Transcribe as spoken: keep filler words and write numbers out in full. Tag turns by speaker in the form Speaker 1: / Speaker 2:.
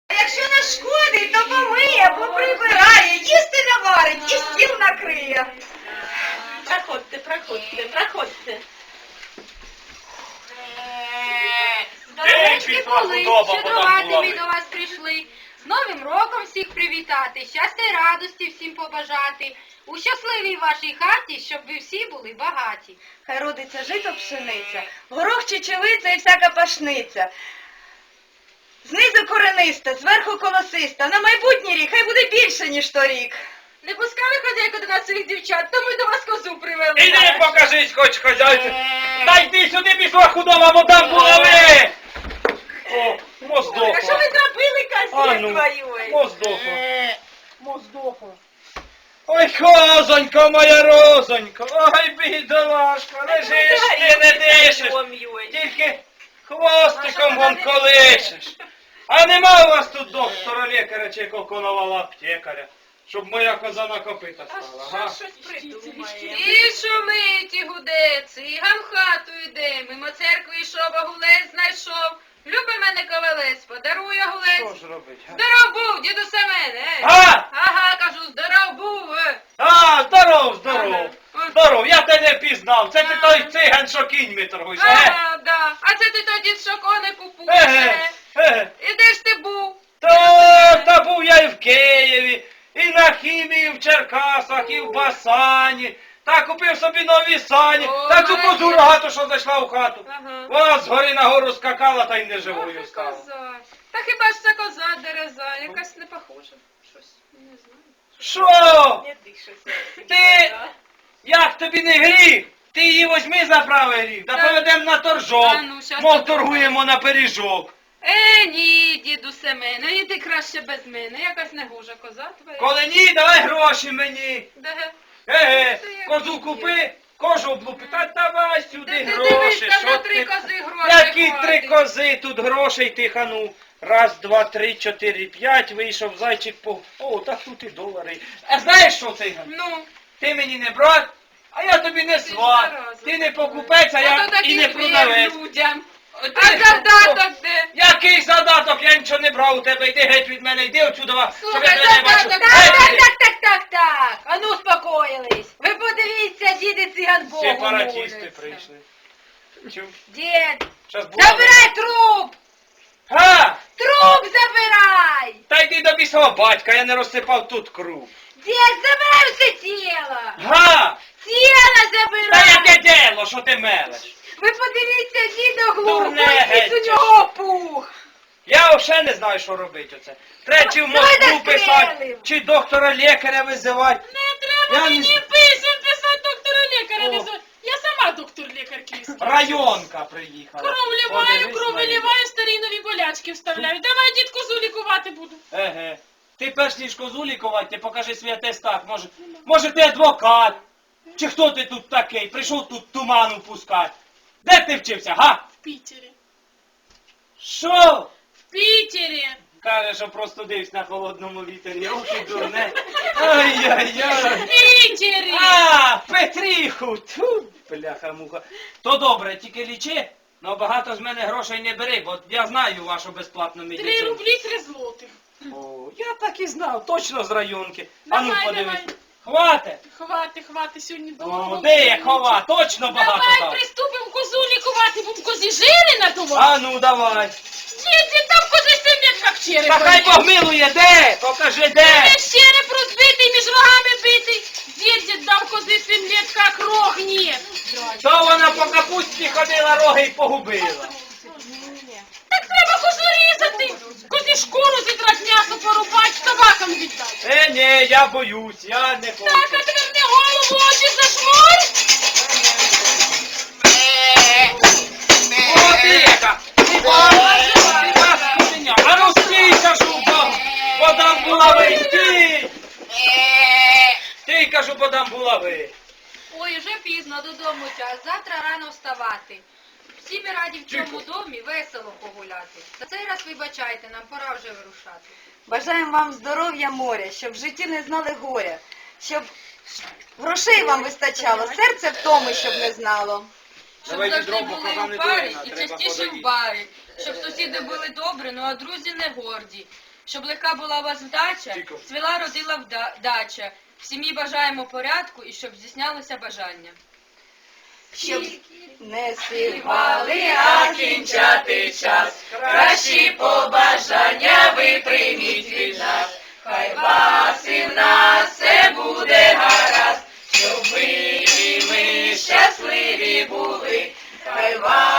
Speaker 1: А якщо нашкодить, то помиє, поприбирає, їсти наварить і стіл накриє.
Speaker 2: Проходьте, проходьте, проходьте.
Speaker 3: Здоровенькі були, щедрувати ми до вас прийшли.
Speaker 4: З Новим роком всіх привітати, щастя й радості всім побажати. У щасливій вашій хаті, щоб ви всі були багаті.
Speaker 1: Хай родиться жито пшениця, горох чечевиця і всяка пашниця. Знизу корениста, зверху колосиста. На майбутній рік хай буде більше, ніж торік.
Speaker 4: Не пускали хазяйку до нас своїх дівчат, то ми до вас козу привели.
Speaker 3: Іди покажись, хоч хазяйці. Та йди сюди, пішла худоба, бо там булави. О, моздохла.
Speaker 2: А що ви зробили,
Speaker 3: А
Speaker 2: козі
Speaker 3: ну,
Speaker 2: твою?
Speaker 3: моздохла. Моздохла. Ой, козонько моя розонько, ой, бідолашка, лежиш ти, не дишиш, тільки хвостиком вон колишеш. А нема у вас тут доктора лікаря чи коконового аптекаря, щоб моя коза на копита стала, га?
Speaker 2: Щось придумає.
Speaker 4: І шумить, і гуде, циган в хату йде, мимо церкви йшов, а гулець знайшов. Люби мене ковалець, подарує
Speaker 3: Що
Speaker 4: гулець.
Speaker 3: ж робить, га?
Speaker 4: Здоров був, діду Семене. е.
Speaker 3: А!
Speaker 4: Ага, кажу, здоров був. е.
Speaker 3: А, здоров, здоров,
Speaker 4: Ага.
Speaker 3: здоров, я тебе не пізнав, це ти той циган, що кіньми торгуєш, еге?
Speaker 4: Ага, да. А це ти тоді що кони купуєш.
Speaker 3: Еге,
Speaker 4: е.
Speaker 3: еге.
Speaker 4: І де ж ти був?
Speaker 3: Та, та був я і в Києві, і на хімії, і в Черкасах, і в Басані. Та купив собі нові сані.
Speaker 4: О,
Speaker 3: Та цю
Speaker 4: молодець.
Speaker 3: козу рогату, що зайшла в хату.
Speaker 4: Ага.
Speaker 3: Вона згори на гору скакала та й не
Speaker 4: Ох,
Speaker 3: живою
Speaker 4: і
Speaker 3: стала.
Speaker 4: коза. Та хіба ж це коза дереза, якась не похожа. Щось, не знаю.
Speaker 3: Що?
Speaker 2: Не дишуся.
Speaker 3: Ти, як тобі не гріх? Ти її возьми за правий гріх, та
Speaker 4: Так.
Speaker 3: поведемо на торжок,
Speaker 4: Та ну, щас
Speaker 3: мов
Speaker 4: подумаю.
Speaker 3: торгуємо на пиріжок.
Speaker 4: Е, ні, діду Семене, іди краще без мене, якась негожа коза твоя.
Speaker 3: Коли ні, давай гроші мені.
Speaker 4: Де?
Speaker 3: Еге,
Speaker 4: Це як
Speaker 3: козу
Speaker 4: є.
Speaker 3: купи, кожу облупи, та давай
Speaker 4: Де
Speaker 3: сюди
Speaker 4: ти
Speaker 3: гроші.
Speaker 4: дивишся
Speaker 3: Що
Speaker 4: на три
Speaker 3: ти?
Speaker 4: кози гроші?
Speaker 3: Які три кози, тут грошей тихану. Раз, два, три, чотири, п'ять, вийшов зайчик по... О, так тут і долари. А знаєш що, циган?
Speaker 4: Ну,
Speaker 3: Ти мені не брат, а я тобі не сват.
Speaker 4: зараза.
Speaker 3: Ти не покупець, а
Speaker 4: а
Speaker 3: я
Speaker 4: то таких
Speaker 3: і не
Speaker 4: вір
Speaker 3: продавець.
Speaker 4: людям.
Speaker 3: Ти
Speaker 4: А
Speaker 3: що?
Speaker 4: задаток де?
Speaker 3: Який задаток? Я нічого не брав у тебе. Йди геть від мене, йди отсюда. щоб я
Speaker 4: Слухай,
Speaker 3: тебе не бачу.
Speaker 4: задаток,
Speaker 3: Геть
Speaker 4: так,
Speaker 3: іди.
Speaker 4: так, так, так, так. А ну успокоїлись. Ви подивіться, діди циган Богу
Speaker 3: Сепаратісти
Speaker 4: моляться.
Speaker 3: прийшли. Чув?
Speaker 4: Дід,
Speaker 3: Щас буде.
Speaker 4: забирай труп!
Speaker 3: Га!
Speaker 4: Труп забирай!
Speaker 3: Та йди до бісового батька, я не розсипав тут круг.
Speaker 4: Дід, забирай все тіло!
Speaker 3: Га!
Speaker 4: Тіло
Speaker 3: Та
Speaker 4: забирай!
Speaker 3: яке діло, що ти мелеш?
Speaker 4: Ви подивіться, дідо глупо,
Speaker 3: Дурне
Speaker 4: якийсь
Speaker 3: геть.
Speaker 4: у нього пух!
Speaker 3: Я взагалі не знаю, що робити оце. Треба чи в
Speaker 4: Давай
Speaker 3: Москву
Speaker 4: застрелим.
Speaker 3: писати, чи доктора лікаря визивати.
Speaker 2: Не треба
Speaker 3: Я не
Speaker 2: мені
Speaker 3: знаю.
Speaker 2: писати, писати доктора лікаря.
Speaker 3: О.
Speaker 2: не зо- Я сама доктор лікар київський.
Speaker 3: Районка приїхала.
Speaker 2: Кров ліваю,
Speaker 3: Подивись
Speaker 2: кров
Speaker 3: на неї.
Speaker 2: виліваю, старі нові болячки вставляю. Давай, дід, козу лікувати буду.
Speaker 3: Еге. Ти перш ніж козу лікувати, ти покажи свій атестат. Може, може ти адвокат? Чи хто ти тут такий? Прийшов тут туману пускати. Де ти вчився, га?
Speaker 2: В Пітері.
Speaker 3: Що?
Speaker 2: В Пітері.
Speaker 3: Каже, що просто дивись на холодному вітері. Ох, і дурне. Ай-яй-яй.
Speaker 2: В Пітері.
Speaker 3: А, Петріху! Тьфу, бляха-муха. То добре, тільки лічи, но багато з мене грошей не бери, бо я знаю вашу безплатну
Speaker 2: Три
Speaker 3: медицину.
Speaker 2: рублі, три злотих.
Speaker 3: О, я так і знав, точно з районки. А ну
Speaker 2: Давай,
Speaker 3: подивись.
Speaker 2: давай.
Speaker 3: Хвате?
Speaker 2: Хвати, хвати, сьогодні
Speaker 3: О,
Speaker 2: довго.
Speaker 3: де я хова? Точно багато
Speaker 2: Давай
Speaker 3: дав.
Speaker 2: приступимо козу лікувати, будемо козі жири надувати.
Speaker 3: А ну давай.
Speaker 2: Діти, там кози сидять, як череп.
Speaker 3: Та хай Бог милує, де? Покажи де.
Speaker 2: Весь череп розбитий, між рогами битий. Дід дав кози сім лет, як рог нет.
Speaker 3: То вона по капусті ходила, роги й погубила.
Speaker 2: Так треба козу різати. Козі шкуру зідрати, м'ясо порубати, собакам віддати.
Speaker 3: Е, ні, я боюсь, я не хочу.
Speaker 2: Так, а тепер не голову, очі зажмурь.
Speaker 3: О, ти яка! Ти паскудня! А ну стій, кажу, бо, бо дам булави! Стій! Ти, кажу, бо дам булави!
Speaker 4: Ой, вже пізно, додому час, завтра рано вставати. Всі ми раді в цьому домі весело погуляти. За цей раз вибачайте, нам пора вже вирушати.
Speaker 1: Бажаємо вам здоров'я моря, щоб в житті не знали горя, щоб грошей вам вистачало, серце втоми, щоб не знало.
Speaker 4: Щоб
Speaker 3: Давайте
Speaker 4: завжди
Speaker 3: дробу,
Speaker 4: були
Speaker 3: коза не
Speaker 4: у парі
Speaker 3: дурна,
Speaker 4: і
Speaker 3: треба
Speaker 4: частіше
Speaker 3: подоїти.
Speaker 4: в барі. Щоб сусіди були добрі, ну а друзі не горді.
Speaker 5: Щоб легка була у вас вдача,
Speaker 3: Тихо.
Speaker 5: цвіла родила вдача. В сім'ї бажаємо порядку і щоб здійснялося бажання.
Speaker 1: Щоб не співали, а кінчати час. Кращі побажання ви прийміть від нас. Хай вас і в нас все буде гаразд, щоб ви і ми щасливі були. Хай вас